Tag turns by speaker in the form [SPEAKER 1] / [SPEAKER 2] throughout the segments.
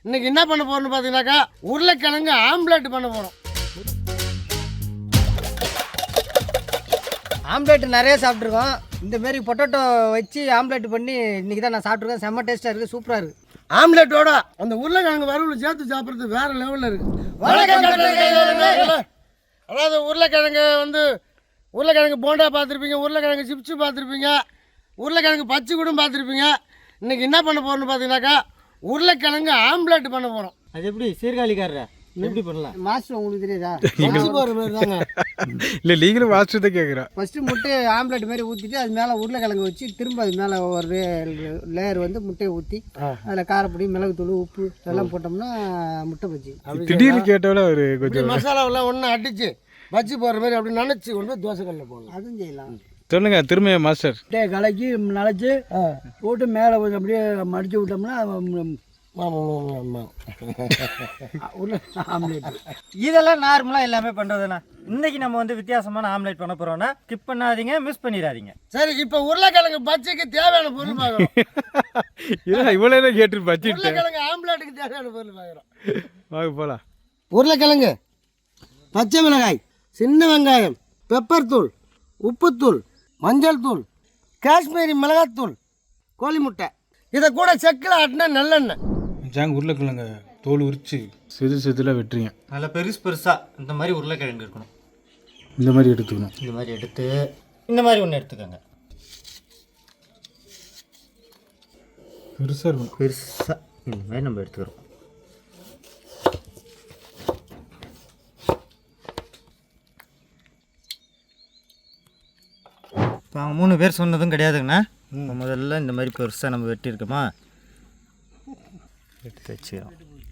[SPEAKER 1] இன்னைக்கு என்ன பண்ண போறோம்னு பார்த்தீங்கன்னாக்கா உருளைக்கிழங்கு ஆம்லெட் பண்ண போகிறோம்.
[SPEAKER 2] ஆம்லெட் நிறைய சாப்பிட்ருக்கோம். இந்தமாரி பொட்டேட்டோ வச்சு ஆம்லெட் பண்ணி இன்றைக்கி தான் நான் சாப்பிட்ருக்கேன். செம்ம டேஸ்ட்டாக இருக்குது, சூப்பராக இருக்குது.
[SPEAKER 1] ஆம்லெட்டோட அந்த உருளைக்கிழங்கு வறுவல் சேர்த்து சாப்பிட்றது வேற லெவலில் இருக்குது. அதாவது உருளைக்கிழங்கு போண்டா பார்த்துருப்பீங்க, உருளைக்கிழங்கு சிப்ஸு பார்த்துருப்பீங்க, உருளைக்கிழங்கு பச்சை கூட பார்த்துருப்பீங்க. இன்றைக்கி என்ன பண்ண போகிறோம்னு பார்த்தீங்கன்னாக்கா உருளைக்கிழங்கு ஆம்லெட் பண்ண போகிறோம்.
[SPEAKER 2] அது எப்படி சீர்காழிக்காரரா எப்படி பண்ணலாம் மாஸ்டர் உங்களுக்கு தெரியாதா?
[SPEAKER 1] போகிற மாதிரி தாங்க.
[SPEAKER 3] இல்லை நீங்களும் மாஸ்டர் தான் கேட்குறேன்.
[SPEAKER 2] ஃபஸ்ட்டு முட்டை ஆம்லெட் மாதிரி ஊற்றிட்டு அது மேலே உருளைக்கிழங்கு வச்சு திரும்ப அது மேலே ஒரு லேயர் வந்து முட்டையை ஊற்றி அதில் காரப்பொடி, மிளகுத்தூள், உப்பு இதெல்லாம் போட்டோம்னா முட்டை பஜ்ஜி.
[SPEAKER 3] திடீர்னு கேட்டவள ஒரு கொஞ்சம்
[SPEAKER 1] மசாலாவெல்லாம் ஒன்று அடித்து பஜ்ஜி போடுற மாதிரி அப்படி நினச்சி கொண்டு போய் தோசைக்கல்லில் போடலாம்.
[SPEAKER 2] அதுவும் செய்யலாம்.
[SPEAKER 3] சொல்லுங்க திரும்ப மாஸ்டர்.
[SPEAKER 2] முட்டையை கலக்கி நினச்சி போட்டு மேலே கொஞ்சம் அப்படியே மடித்து விட்டோம்னா இதெல்லாம் நார்மலாக எல்லாமே பண்ணுறதுண்ணா. இன்னைக்கு நம்ம வந்து வித்தியாசமான ஆம்லெட் பண்ண போகிறோம்னா ஸ்கிப் பண்ணாதீங்க, மிஸ் பண்ணிடாதீங்க.
[SPEAKER 1] சரி, இப்போ உருளைக்கிழங்கு பச்சைக்கு தேவையான பொருள் பார்க்குறோம்.
[SPEAKER 3] இவ்வளோ கேட்டு பச்சு
[SPEAKER 1] உருளைக்கிழங்கு ஆம்லெட்டுக்கு தேவையான பொருள் பார்க்குறோம்.
[SPEAKER 3] வாங்க போகலாம்.
[SPEAKER 1] உருளைக்கிழங்கு, பச்சை மிளகாய், சின்ன வெங்காயம், பெப்பர் தூள், உப்புத்தூள், மஞ்சள் தூள், காஷ்மீரி மிளகாத்தூள், கோழி முட்டை, இதை கூட செக்கில் ஆட்டினா நல்லெண்ணெய்.
[SPEAKER 3] உருளைக்கிழங்க தோல் உரிச்சு சிதில் வெட்டுறீங்க.
[SPEAKER 2] நல்லா பெருசு பெருசாக இந்த மாதிரி உருளைக்கிழங்கு இருக்கணும்.
[SPEAKER 3] இந்த மாதிரி எடுத்துக்கணும்.
[SPEAKER 2] இந்த மாதிரி எடுத்து இந்த மாதிரி ஒன்று எடுத்துக்கோங்க.
[SPEAKER 3] பெருசாக இருக்கணும்.
[SPEAKER 2] பெருசாக இந்த மாதிரி நம்ம எடுத்துக்கிறோம். இப்போ அவங்க 3 பேர் சொன்னதும் கிடையாதுங்கண்ணா. முதல்ல இந்த மாதிரி பெருசாக நம்ம வெட்டியிருக்கோமா எடுத்து வச்சுக்கிறோம்.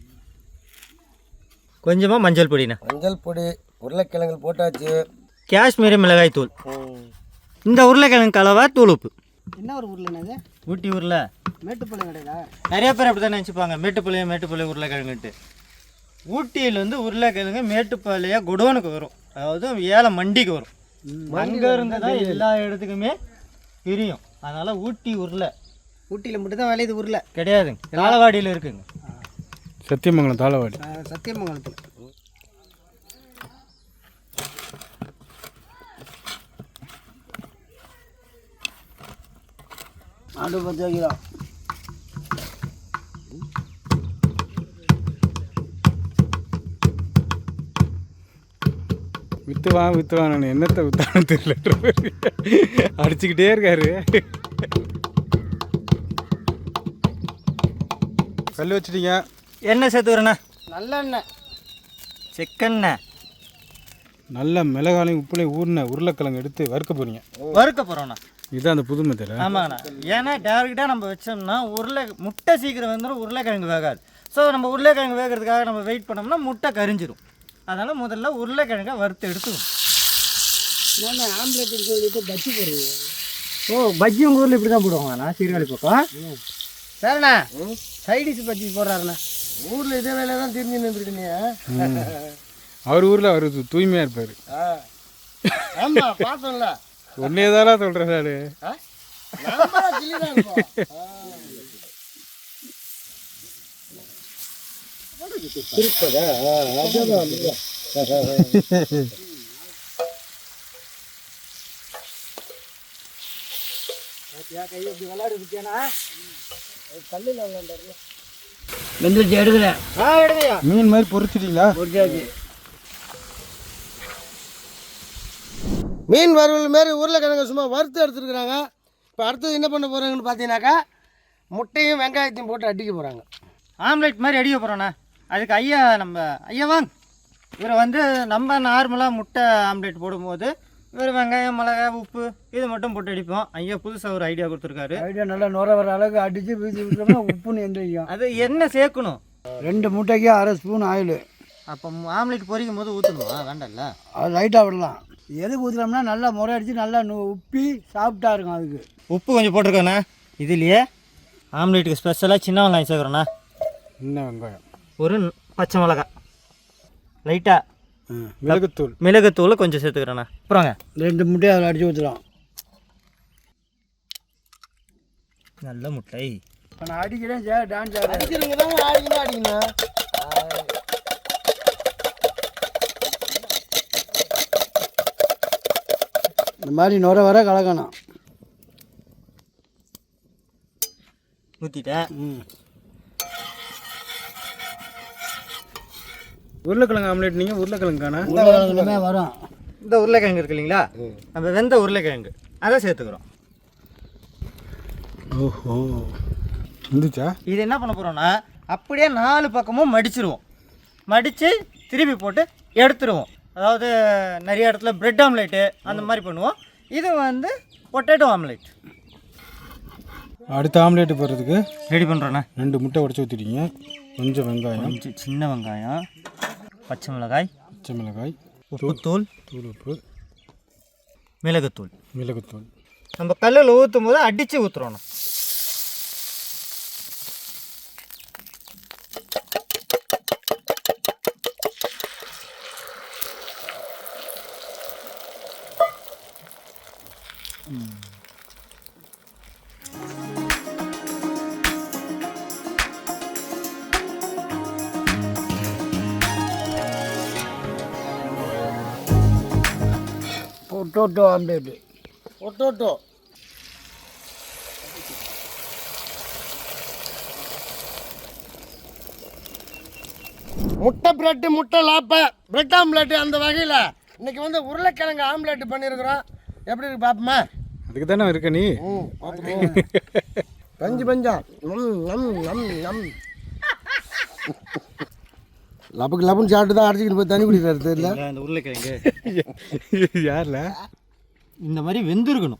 [SPEAKER 2] கொஞ்சமாக மஞ்சள் பொடிண்ணா.
[SPEAKER 1] மஞ்சள் பொடி, உருளைக்கிழங்கு போட்டாச்சு,
[SPEAKER 2] காஷ்மீரி மிளகாய் தூள், இந்த உருளைக்கிழங்கு கலவா, தூள் உப்பு. என்ன ஒரு உருளைண்ணா? ஊட்டி உருளை, மேட்டுப்பாளையம் கிடையாதா? நிறைய பேர் அப்படி தான் நினச்சிப்பாங்க, மேட்டுப்பாளையம் உருளைக்கிழங்குன்ட்டு. ஊட்டியில் வந்து உருளைக்கிழங்கு மேட்டுப்பாளையம் குடோனுக்கு வரும், அதாவது ஏழை மண்டிக்கு வரும். அங்கே இருந்து தான் எல்லா இடத்துக்குமே பிரியும். அதனால் ஊட்டி உருளை. ஊட்டியில் மட்டும் தான் விளையுது உருளை கிடையாதுங்க, தாளவாடியில் இருக்குங்க.
[SPEAKER 3] சத்தியமங்கலம் தாளவாடி.
[SPEAKER 2] சத்தியமங்கலத்தில். ஆடு 10 கிலோ.
[SPEAKER 3] வித்துவான் என்னத்தை வித்தானு தெரியல, அடிச்சுக்கிட்டே இருக்காரு. கல் வச்சுட்டீங்க.
[SPEAKER 2] எண்ணெய் சேர்த்துக்கிறேண்ணா. நல்லெண்ணெய், செக்கெண்ணெய்,
[SPEAKER 3] நல்ல மிளகாலையும் உப்புலையும் ஊறின உருளைக்கிழங்கு எடுத்து வறுக்க போகிறீங்க.
[SPEAKER 2] வறுக்க போகிறோண்ணா.
[SPEAKER 3] இதுதான் அந்த புது மெத்தட்.
[SPEAKER 2] ஆமாங்கண்ணா. ஏன்னா டேரெக்டாக நம்ம வச்சோம்னா முட்டை சீக்கிரம் வந்துடும், உருளைக்கிழங்கு வேகாது. ஸோ நம்ம உருளைக்கிழங்கு வேகிறதுக்காக நம்ம வெயிட் பண்ணோம்னா முட்டை கரிஞ்சிடும். அதனால் முதல்ல உருளைக்கிழங்கை வறுத்து எடுத்துக்கணும். ஏன்னா ஆம்லெட்டுன்னு சொல்லிட்டு பஜ்ஜி போடுறீங்க. ஓ, பஜ்ஜி உங்கள் ஊரில் இப்படி தான் போடுவாங்கண்ணா, சீர்காழி பக்கம். சரிண்ணா, சைடிஷ் பஜ்ஜி போடுறாருண்ணா.
[SPEAKER 1] ஊரில் இதே வேலையை தான் தெரிஞ்சு நின்றுருக்கீங்க.
[SPEAKER 3] அவர் ஊரில் அவர் தூய்மையாக இருப்பார்.
[SPEAKER 1] ஆமாம், பார்த்தோம்ல.
[SPEAKER 3] ஒன்னே தானா சொல்கிறேன் சார்.
[SPEAKER 2] வெந்துருச்சு, எடுக்கிறேன். எடுங்கய்யா.
[SPEAKER 3] மீன் மாதிரி பொரிச்சிட்டீங்களா?
[SPEAKER 1] மீன் வறுவல் மாரி உருளைக்கிழங்கு சும்மா வறுத்து எடுத்துருக்குறாங்க. இப்போ அடுத்தது என்ன பண்ண போகிறாங்கன்னு பார்த்தீங்கன்னாக்கா முட்டையும் வெங்காயத்தையும் போட்டு அடிக்க போகிறாங்க.
[SPEAKER 2] ஆம்லெட் மாதிரி அடிக்க போகிறோண்ணா. அதுக்கு ஐயா வாங்க. இவர் வந்து நம்ம நார்மலாக முட்டை ஆம்லெட் போடும்போது இவர் வெங்காயம், மிளகாய், உப்பு இது மட்டும் போட்டு அடிப்போம். ஐயா புதுசாக ஒரு ஐடியா கொடுத்துருக்காரு.
[SPEAKER 4] ஐடியா நல்லா நுர வர அளவுக்கு அடித்து வீசி விட்டோம்னா உப்புன்னு எந்திரிக்கும்.
[SPEAKER 2] அது என்ன சேர்க்கணும்?
[SPEAKER 4] 2 முட்டைக்கு அரை ஸ்பூன் ஆயில்.
[SPEAKER 2] அப்போ ஆம்லெட் பொரிக்கும் போது ஊற்றணுமா? வேண்டாம்ல,
[SPEAKER 4] அது லைட்டாக விடலாம். எதுக்கு ஊற்றலாம்னா நல்லா முறை அடித்து நல்லா உப்பி சாப்பிட்டா இருக்கும். அதுக்கு
[SPEAKER 2] உப்பு கொஞ்சம் போட்டிருக்கோண்ணா. இதுலேயே ஆம்லெட்டுக்கு ஸ்பெஷலாக சின்ன வெங்காயம் சேர்க்குறோண்ணா.
[SPEAKER 3] சின்ன வெங்காயம்,
[SPEAKER 2] ஒரு பச்சை மிளகாய், லைட்டாக மிளகுத்தூள் கொஞ்சம் சேர்த்துக்கிறேண்ணா. அப்புறங்க
[SPEAKER 4] 2 முட்டையை அதில் அடித்து ஊற்றலாம்.
[SPEAKER 2] நல்ல முட்டை.
[SPEAKER 4] இப்போ நான் அடிக்கிறேன் டான்ஸ்
[SPEAKER 1] அடிக்கிறவங்க தான் அடிக்கணும்.
[SPEAKER 4] மாதிரி நுர வர கலக்கணும்.
[SPEAKER 2] ஊற்றிட்டேன்.
[SPEAKER 3] உருளைக்கிழங்கு ஆம்லேட் நீங்கள் உருளைக்கிழங்கானா
[SPEAKER 4] உருளைக்கிழங்குமே வரும்.
[SPEAKER 2] இந்த உருளைக்கிழங்கு இருக்கு இல்லைங்களா, நம்ம வெந்த உருளைக்கிழங்கு அதை சேர்த்துக்கிறோம்.
[SPEAKER 3] ஓஹோ இருந்துச்சா?
[SPEAKER 2] இது என்ன பண்ண போகிறோம்னா அப்படியே 4 பக்கமும் மடிச்சிருவோம். மடித்து திருப்பி போட்டு எடுத்துருவோம். அதாவது நிறைய இடத்துல பிரெட் ஆம்லேட்டு அந்த மாதிரி பண்ணுவோம். இது வந்து பொட்டேட்டோ ஆம்லேட்.
[SPEAKER 3] அடுத்த ஆம்லேட்டு போடுறதுக்கு
[SPEAKER 2] ரெடி பண்ணுறோண்ணா.
[SPEAKER 3] 2 முட்டை உடச்சி ஊற்றிட்டீங்க. கொஞ்சம் வெங்காயம்,
[SPEAKER 2] கொஞ்சம் சின்ன வெங்காயம், பச்சை மிளகாய்,
[SPEAKER 3] உப்புத்தூள்,
[SPEAKER 2] உப்புத்தூள்,
[SPEAKER 3] உப்பு,
[SPEAKER 2] மிளகுத்தூள்.
[SPEAKER 3] மிளகுத்தூள்.
[SPEAKER 2] நம்ம கல்லில் ஊற்றும் போது அடித்து ஊற்றுறோண்ணா.
[SPEAKER 4] Potato omelette.
[SPEAKER 1] பொட்டோட்டோ முட்டை பிரெட்டு, முட்டை லாப்பை, பிரெட் ஆம்லேட்டு அந்த வகையில் இன்னைக்கு வந்து உருளைக்கிழங்கு ஆம்லேட்டு பண்ணியிருக்கிறோம். எப்படி இருக்கு பார்ப்போமா?
[SPEAKER 3] அதுக்கு தானே இருக்க நீ.
[SPEAKER 1] பஞ்சு பஞ்சா நம் நம் நம் லப்புக்கு லப்புன்னு சாப்பிட்டு தான் அடிச்சுக்கிட்டு போய் தண்ணி குடிக்கிறாரு தெரியல.
[SPEAKER 2] இந்த உருளைக்கிழங்கு
[SPEAKER 3] யாரில்
[SPEAKER 2] இந்த மாதிரி வெந்திருக்கணும்.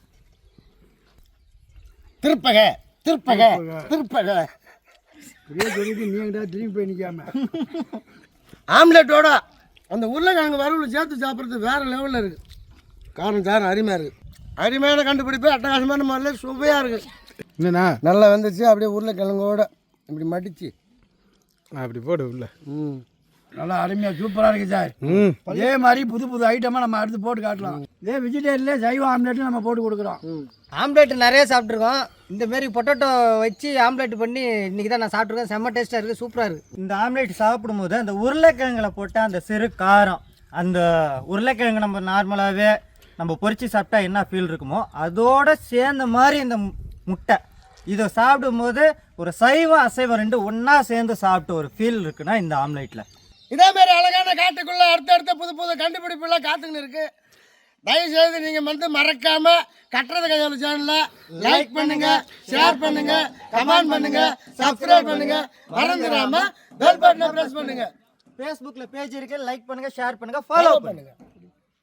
[SPEAKER 1] திருப்பக திருப்பக திருப்பக
[SPEAKER 4] பெரிய சொல்லிட்டு நீ எங்கிட்ட திரும்பி போய் நிற்காம
[SPEAKER 1] ஆம்லேட்டோட அந்த உருளைக்கிழங்கு வறுவல் சேர்த்து சாப்பிட்றது வேறு லெவலில் இருக்குது. காரம் சாரம் அருமையாக இருக்குது. அருமையான கண்டுபிடிப்பு, அட்டகாசமான முறையில் சுவையாக இருக்குது.
[SPEAKER 3] என்னண்ணா
[SPEAKER 1] நல்லா வந்துச்சு. அப்படியே உருளைக்கிழங்கோட இப்படி மடித்து
[SPEAKER 3] அப்படி போடு உள்ள.
[SPEAKER 4] நல்லா அருமையாக சூப்பராக இருக்குது சார். இதே மாதிரி புது புது ஐட்டமாக நம்ம அடுத்து போட்டு காட்டலாம். இதே வெஜிடேரியன்லேயே சைவ ஆம்லேட்டும் நம்ம போட்டு கொடுக்குறோம்.
[SPEAKER 5] ஆம்லேட் நிறைய சாப்பிட்ருக்கோம். இந்தமாரி பொட்டேட்டோ வச்சு ஆம்லேட் பண்ணி இன்றைக்கி தான் நான் சாப்பிட்ருக்கேன். செம்ம டேஸ்ட்டாக இருக்குது, சூப்பராக இருக்குது.
[SPEAKER 2] இந்த ஆம்லேட் சாப்பிடும்போது அந்த உருளைக்கிழங்குல போட்ட அந்த சிறு காரம், அந்த உருளைக்கிழங்கு நம்ம நார்மலாகவே நம்ம பொரிச்சு சாப்பிட்டா என்ன ஃபீல் இருக்குமோ அதோட சேர்ந்த மாதிரி இந்த முட்டை இதை சாப்பிடும்போது ஒரு சைவம் அசைவம் ரெண்டு ஒன்றா சேர்ந்து சாப்பிட்டு ஒரு ஃபீல் இருக்குன்னா இந்த ஆம்லேட்டில்.
[SPEAKER 1] இதேமாரி அழகான காட்டுக்குள்ளே அடுத்தடுத்த புது புது கண்டுபிடிப்புலாம் காத்துக்கின்னு இருக்குது. தயவுசெய்து நீங்கள் வந்து மறக்காமல் கட்டுறது கையாளு சேனலில் லைக் பண்ணுங்கள், ஷேர் பண்ணுங்கள், கமெண்ட் பண்ணுங்கள், சப்ஸ்கிரைப் பண்ணுங்கள். மறந்துடாமல் பெல் பட்டனை ப்ரெஸ் பண்ணுங்கள்.
[SPEAKER 2] ஃபேஸ்புக்கில் பேஜ் இருக்குது, லைக் பண்ணுங்கள், ஷேர் பண்ணுங்கள், ஃபாலோ பண்ணுங்கள்.